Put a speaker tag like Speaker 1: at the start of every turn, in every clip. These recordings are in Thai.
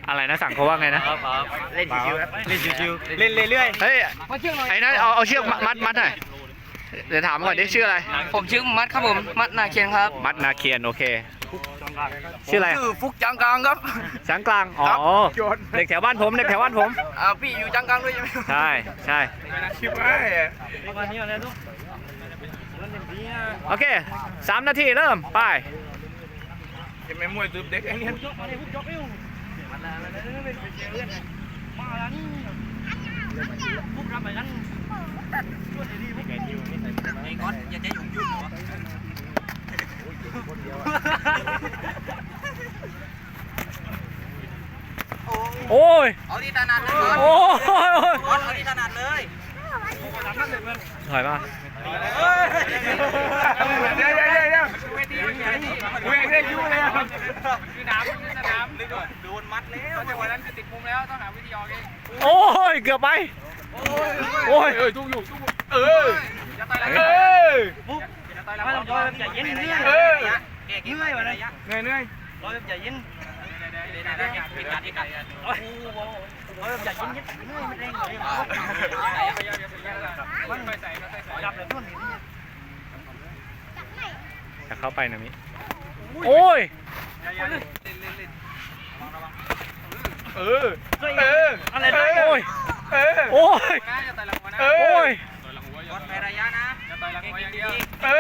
Speaker 1: อะไรนะสั่งเขาว่าไงนะ
Speaker 2: เล่นชิวๆเล่นชิวๆเล่นเรื่อยๆ
Speaker 1: เฮ้ยไอ้นั่นเอาเชือกมัดหน่อยเดี๋ยวถามก่อนดิชื่ออะไร
Speaker 3: ผมชื่อมัดครับผมมัดนาเคียนครับ
Speaker 1: มัดนาเคียนโอเคชื่ออะไร
Speaker 3: ชื่อฟุกจังกลางครับ
Speaker 1: ช้างกลางอ๋อเด็กแถวบ้านผม
Speaker 3: พี่อยู่จังกลางด้วยใช่ไหม
Speaker 1: ใช่ใช่
Speaker 2: ชิวไอ้
Speaker 1: โอเค3 นาทีเริ่มไป
Speaker 2: จะไม่มวยตืบเด็กไอ้เนี่ย
Speaker 1: โอ้ย
Speaker 3: เอาที่ถนัดเลย
Speaker 1: โอ้ย
Speaker 3: เอาที่ถนัดเลย
Speaker 1: ถอยมา
Speaker 2: เดี๋ยวเวงได้ยุ่งเลยสนามโดนมัดแล้วจังหวะนั้นจะติดมุมแล้วต้องหาวิธีออกเอง
Speaker 1: โอ้ยเกือบไปโอ้ย
Speaker 2: ทุกอยู่จะต่อยแล้วปุ๊บจะต่อยแล้วไม่ต้องย่อยแบบเย็นเหนื่อยเหนื่อยวะเนี่ยเหนื่อยร้อยแบบเย็นปิดการที่กัดโอ้โหร้อยแบบเย็นเหนื่อยไม่แรงเลยมันไปใส่ดับเลยทุ่น
Speaker 1: จะเข้าไปนะมิโอ้ย
Speaker 2: อะไรนะ
Speaker 1: โอ้ยโอ้ยโอ้ย
Speaker 3: กดไประยะนะ
Speaker 2: จะต่อยหลังหัวอย่างเดียว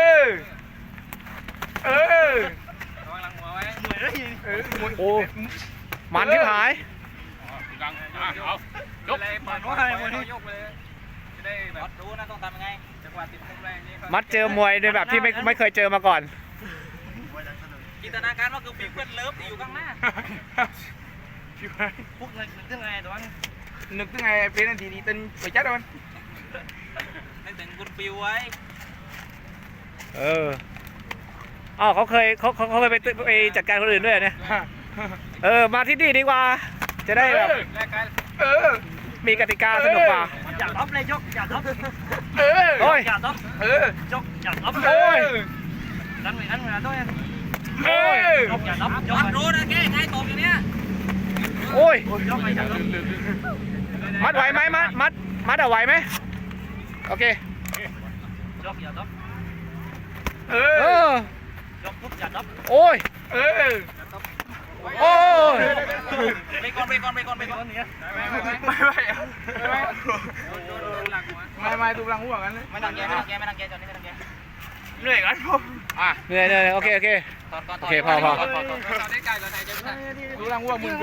Speaker 2: ระวังหลังหัวไว้
Speaker 1: โอ้มันที่หาย
Speaker 2: ยกเลยเปิดว่าให้มันยกไปเลยจะได้แบบ
Speaker 3: รู้นะต้องทำยังไง
Speaker 2: จังหวะติดมุมแรงนี้
Speaker 1: มัดเจอมวยในแบบที่ไม่เคยเจอมาก่อน
Speaker 3: จินตนาการว่าคือปีเพื่อนเลิฟที่อยู่ข้างหน้า
Speaker 2: พวกนึกถึงไงตัวนั้นนึกถึงไงเป็นนาทีนี้ตึ้งไปจัดมัน
Speaker 3: นึกถึงคุณฟิวไว้
Speaker 1: อ๋อเขาเคยไปจัดการคนอื่นด้วยเนี่ยมาที่นี่ดีกว่าจะได้แบบมีกติกาสนุกกว่า
Speaker 2: อย่าท็อปเลยยกอย่าท็อป
Speaker 1: โอ้ย
Speaker 2: อย่าท็อปยกอย่าท็อป
Speaker 1: โอ้ย
Speaker 2: ดันไปดันมาด้วย
Speaker 1: โอ้ย
Speaker 2: ยกอย่าท็อปยก
Speaker 3: มัดรู้นะแกใครตบอยู่เนี้ย
Speaker 1: โอ้ย
Speaker 2: ยกไปอย่าท็อป
Speaker 1: มัดไหวไหมมัดเอาไหวไหมโอเค
Speaker 2: ยกอย่าท็อป ยกปุ๊บอย่าท็อป
Speaker 1: โอ้ยโอ้ย
Speaker 3: ไปก่อนไปก่อน
Speaker 2: ไม่ดูหลังหัวกันเลย
Speaker 3: ไม่ต้องแกจอนนี้ไม่ต้องแก
Speaker 2: เหนื่อยกันผม
Speaker 1: เหนื่อยโอเค
Speaker 3: ถอดก่อน
Speaker 1: โอเคพอ
Speaker 2: ดูหลังหัวมึง